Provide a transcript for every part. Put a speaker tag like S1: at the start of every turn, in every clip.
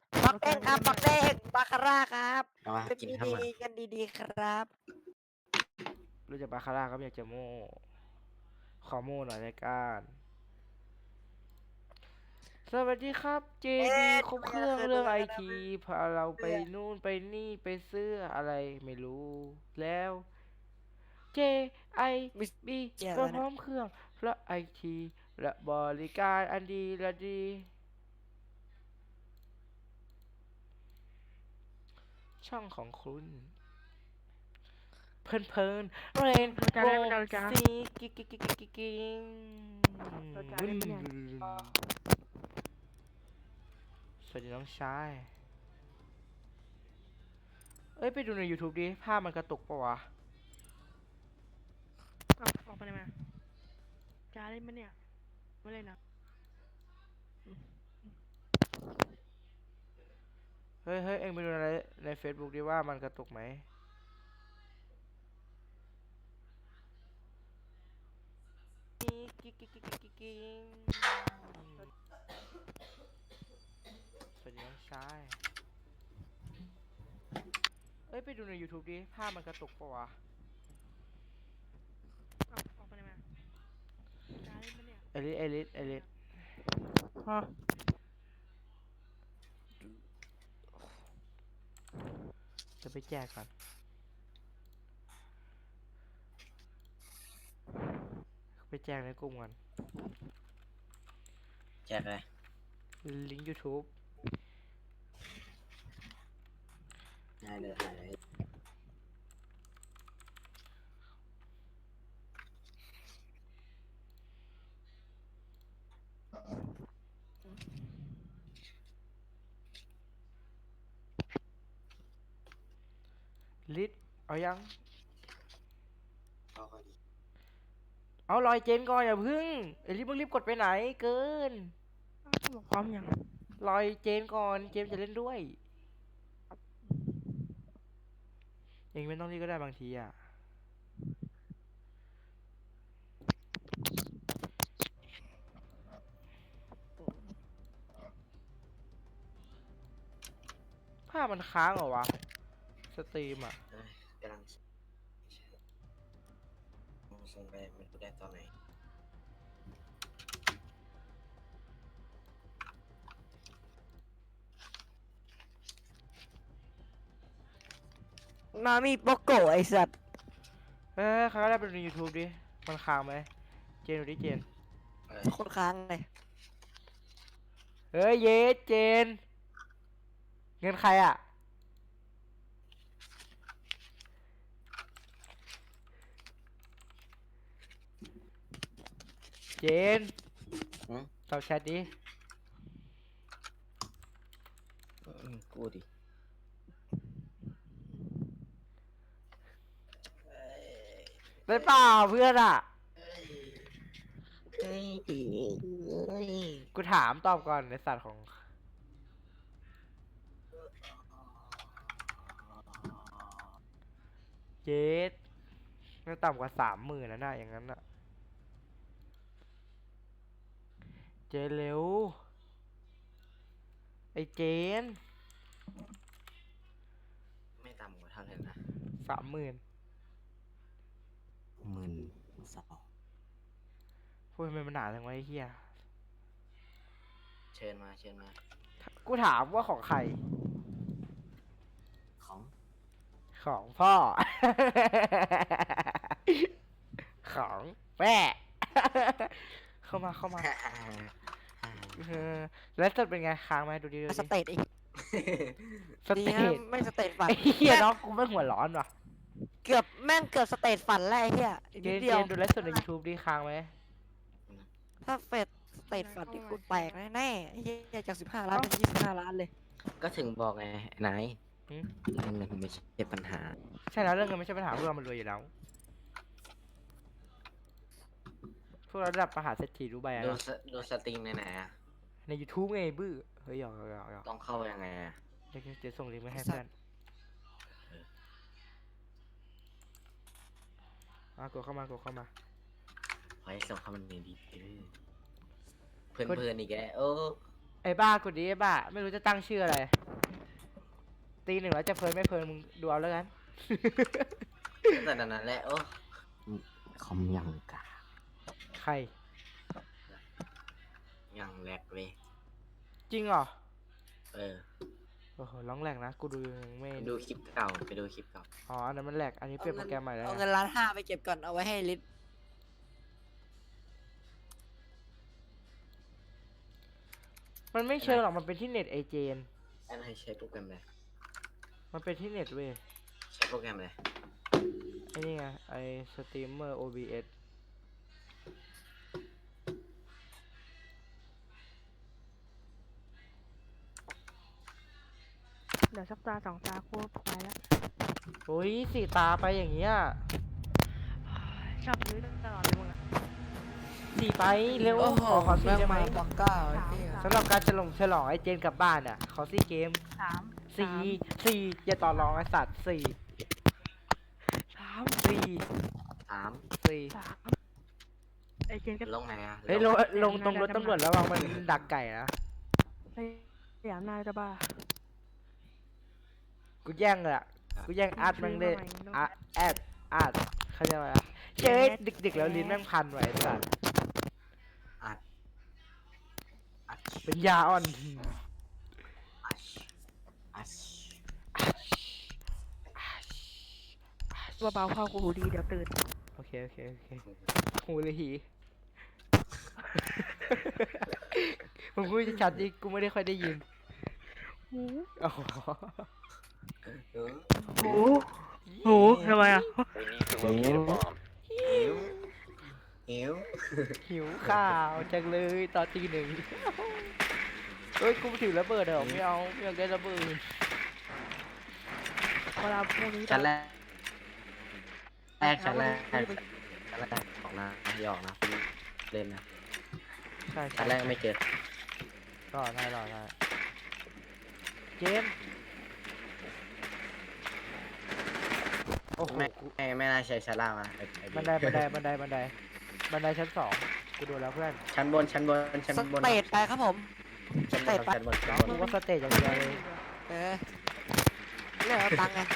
S1: ปักเด้งครับปักเด้งบาคาร่าครับ
S2: เอามา
S1: เป็น
S2: กิน
S1: ดี
S2: ข้าว
S1: ดี
S2: มัน
S1: กันดีๆครับ
S3: รู้จักบาคาร่าครับอยากจะโม่ขอโม่หน่อยรายการสวัสดีครับ JD ครบเครื่องเรื่องไอทีพาเราไปนู่นไปนี่ไปซื้ออะไรไม่รู้ แล้ว JIB
S1: เจ๋อ
S3: ก็
S1: แล้ว
S3: พร้
S1: นะ
S3: อมเครื่องและไอทีและบริการอันดีและดี ช่องของคุณเพลินเพลินเรนโบว์ซีกิ๊กกิ๊กกิ๊กกิ๊กกิ๊กสวัสดีน้องชายเอ้ยไปดูใน YouTube ดิภาพมันกระตุกปะวะ
S4: ออกไปเลยมาจ้าเล่นมั้ยเนี่ยไม่เล่นนะ
S3: เฮ้ยเฮ้ยเอ็งไปดูใน Facebook ดิว่ามันกระตุกไหมกิ๊กกิ๊กกิ๊กกิ๊กกิ๊กกิ๊กสวัสดีน้องชายเอ้ยไปดูใน YouTube ดิภาพมันกระตุกปะวะ
S4: ออกไปเลยมาจ้าเล่นมั้ยเนี่ย
S3: เอลิส
S4: ฮะ
S3: จะไปแจกก่อนไปแจกในกลุ่มก่อน
S2: แจกเลย
S3: ลิงก์ YouTube
S2: ได้เลยหายเลย
S3: ลิสเอายัง
S2: เอาก่อนดิ
S3: เอาลอยเจนก่อนอย่าพึ่งเอลิสมึงรีบกดไปไหนเกิน
S4: บอกพร้อมยัง
S3: ลอยเจนก่อนเจมจะเล่นด้วยเองไม่ต้องรีบก็ได้บางทีอ่ะภาพมันค้างเหรอวะสตรีมอ่ะ
S2: เอ้ยกำลังส่งไปไม่รู้ได้ตอนไหน
S1: นามีโปโกะไอสัตว์
S3: ใครก็ได้ไปดูใน YouTube ดิมันค้างไหมเจนดูดิเจน
S1: โคตรค้างเลย
S3: เฮ้ยเยสเจนเงินใครอ่ะเจนตอบแชทดิ
S2: กูดิ
S3: ได้เปล่าเพื่อนอ่ะ
S2: เฮ้ย
S3: กูถามตอบก่อนในสัตว์ของเจสไม่ต่ำกว่า30,000นะน่ะอย่างนั้นน่ะเจนเร็วไอเจน
S2: ไม่ต่ำกว่าเท่าไหร่นะ
S3: 30,000
S2: 12,000
S3: พูดทำไมมันหนาจังวะไอ้เหี้ย
S2: เชิญมาเชิญมา
S3: กูถามว่าของใคร
S2: ของ
S3: ของพ่อ ของแม่ เข้ามาแล้วจะเป็นไงค้างไหมดูดิดู
S1: ส
S3: ดิ
S1: เตตอีก
S3: ส
S1: ดี
S3: เต
S1: นะ
S3: ท
S1: ไม่สเตตฝัน
S3: ไอ้เหี้ยน้องกูไม่หัวร้อนว่ะ
S1: เกือบแม่งเกือบสเตตฝันแล้วไอ้เหี้ยอีก
S3: เจ
S1: นิด
S3: น
S1: เดี
S3: เจ
S1: ยวน
S3: ดูไลฟ์สดใน YouTube ดิค้างไหม
S1: ถ้าเฟดสเตตฝันที่กูแตกแน่ๆไอ้เหี้ยจาก15 ล้านเป็น25 ล้านเลย
S2: ก็ถึงบอกไงนาย
S3: หืม
S2: เรื่องเงินไม่ใช่ปัญหา
S3: ใช่แล้วเรื่องเงินไม่ใช่ปัญหาพวกเรามันรวยอยู่แล้วพวกเราระดับมหาเศรษฐีรู้ใบอะ
S2: ดูสตรีมไหนๆอะ
S3: ใน YouTube ไงบื้อเฮ้ยหยอก
S2: ต้องเข้ายังไงอะ
S3: เดี๋ยวจะส่งลิงก์ไปให้
S1: ไอ้สั
S3: เพื่อ
S1: ต
S3: น
S1: ว์
S3: กดเข้ามา
S2: ขอให้ส่งเข้ามันดีเพื่อนๆอีกแล้วโอ้
S3: ไอ้บ้ากดดิไอ้บ้าไม่รู้จะตั้งชื่ออะไรตีหนึ่งแล้วจะเพลินไม่เพลินมึงดูเอาแล้วกัน
S2: แต่นั้นแหละโอ้คอมยังกา
S3: ใคร
S2: ยังแหลกเลย
S3: จริงเหรอ
S2: เออ
S3: โอ้โหร้องแหลกนะกูดูยังไม่
S2: ไปดูคลิปเก่าไปดูคลิปเก่า
S3: อ๋ออันนั้นมันแหลกอันนี้เปลี่ยนโปรแกรมใหม่แล้ว
S1: เอา
S3: นะ
S1: เงิน1,500,000ไปเก็บก่อนเอาไว้ให้ลิศ
S3: มันไม่เชิงหรอกมันเป็นที่เน็ตไอเจน
S2: อันให้ใช้โปรแกรมอะไร
S3: มันเป็นที่เน็ตเว้ย
S2: ใช้โปรแกรมอะไร
S3: ไอ้นี่ไงไอสตรีมเมอร์ OBS
S4: เดี๋ยวสักตาสองตากูไปแล้ว
S3: โอ้ยสี่ตาไปอย่างเงี้ย
S4: ชอบซื้อตลอดเลยมึงอะ
S3: สี่ไปเร็ว
S1: โอ้โห
S3: ขอสี่
S1: แม่ง
S3: ได้ไหม
S1: มาปอกเก้าไอ้เหี้ย
S3: สำหรับการฉลองไอเจนกลับบ้านอ่ะ ขอสี่เกม
S4: สาม
S3: สี่อย่าต่อรองไอสัตว์สี่
S4: สาม
S3: สี่
S2: สาม
S3: สี่
S4: สามไอเจนก็
S2: ลงไหนอ่ะ
S3: เฮ้ยลงตรงรถตำรวจระวังมันดักไก่นะ
S4: สยามนายจะบ้า
S3: กูแย่งเลยอ่ะกูแย่งอาร์ตแม่งเลยอาร์ตอาร์ตเขาเรียกว่าอะไรเจ๊ดึกๆแล้วลิ้นแม่งพันไว้ไอ้สัตว์
S2: อัดอัด
S3: เป็นยาอ่อน
S2: อัดอัด
S4: เบาๆเข้ากูหูดีเดี๋ยวตื่น
S3: โอเคหูเลยหี มึงพูดชัดดิกูไม่ได้ค่อยได้ยิน
S4: หู
S3: อ๋อ
S4: หูหูทำไมอ่ะ
S2: หิวหิว
S3: หิวข้าวจังเลยตอนตีหนึ่งเฮ้ยกูถือระเบิดเหรอไม่เอาไม่อยากได้ระเบิด
S4: เวลาพวกนี้
S2: ชั้นแรกชั้นแรกออกนะหยอกนะคุณเล่นนะ
S3: ใช่
S2: ชั้นแรกไม่เจอ
S3: รอได้เจมส์โอ้โห
S2: ไม่น่าใช้ชั้นล่างนะไอ้
S3: บันไดชั้น 2กูดูแล้วเพื่อน
S2: ชั้นบนชั้นบนชั้น
S1: ส
S2: บน
S1: เตทไปครับผม
S2: ชั้นบนชั้นบนชั้นบน
S3: กูว่าสเตจอย่างเดียวเลย
S1: เออเรื่องเอาตังค์ไง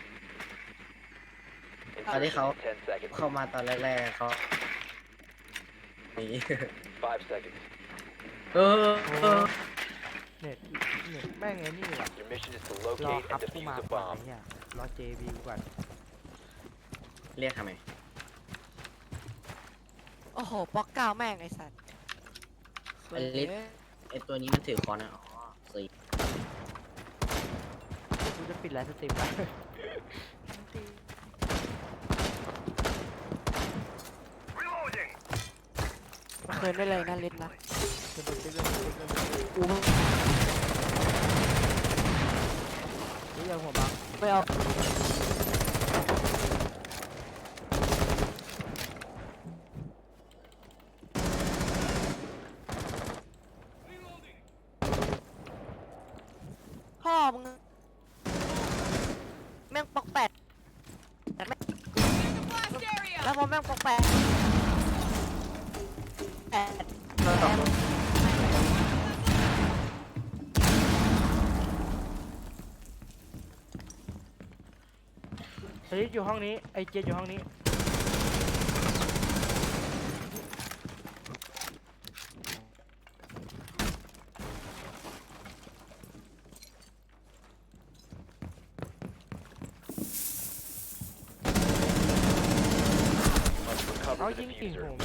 S2: ตอนที่เขาเข้ามาตอนแรกๆเขาหนี
S5: 5 seconds.
S2: เออ
S3: เน็ตแม่งไอ้นี่ว่ะ
S5: Your mission is to
S3: รอ
S5: locate
S3: ครับ
S5: and
S3: กู
S5: defuse
S3: มา
S5: the
S3: ก่อน
S5: bomb.
S3: เนี่ยรอ JB ก่อน
S2: เรียกทำไม
S1: โอ้โหปอกเก้าแม่งไอ้สัตว์
S2: ไอ้ลิศ ไอตัวนี้มันถือคอนอ่ะอ๋อสี่
S3: กูจะปิดไลฟ์สตรีมแล้ว
S1: เคยได้เลยนะลิศนะ กู
S3: นี่ยังหัวบัง
S1: ไม่เอาพ่อมึงแม่งปอกแปดแล้วพอแม่งปอกแปดแปด
S3: สลิดอยู่ห้องนี้ไอเจนอยู่ห้องนี้เอา
S5: Recover
S3: ยิ
S5: the
S3: งกิ่ง
S5: diffuser.
S3: ผม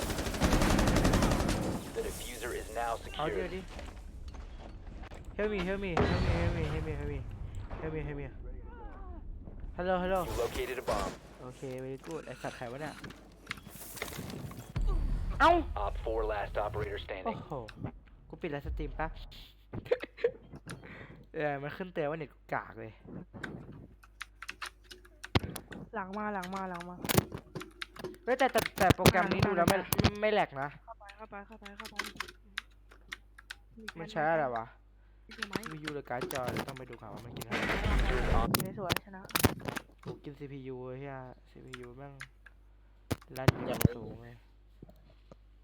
S5: The diffuser is now
S3: เอาเดี๋ยว
S5: secured.
S3: ดิ help me help me hello
S5: You located a bomb.
S3: โอเค very good ไอสัตว์ไข่วะเนี่ยเอ้า
S5: Op 4 last operator
S3: โอ้
S5: standing.
S3: โห กูปิดไลฟ์สตรีมปะ มันขึ้นเตือนว่าเน็ตกูกากเลย
S4: หลังมา
S3: เฮ้ยแต่โปรแกรมนี้ดูแล้วไม่แหลกนะ
S4: เข้าไป
S3: มันใช้อะไรวะ
S4: ใช่ไหม
S3: วิวหรือการ์ดจอเดี๋ยวต้องไปดูข่าวว่ามันกินอะไร
S4: สวยชนะ
S3: กูกิน CPU เฮีย CPU แม่งรันอย่างสูงเลย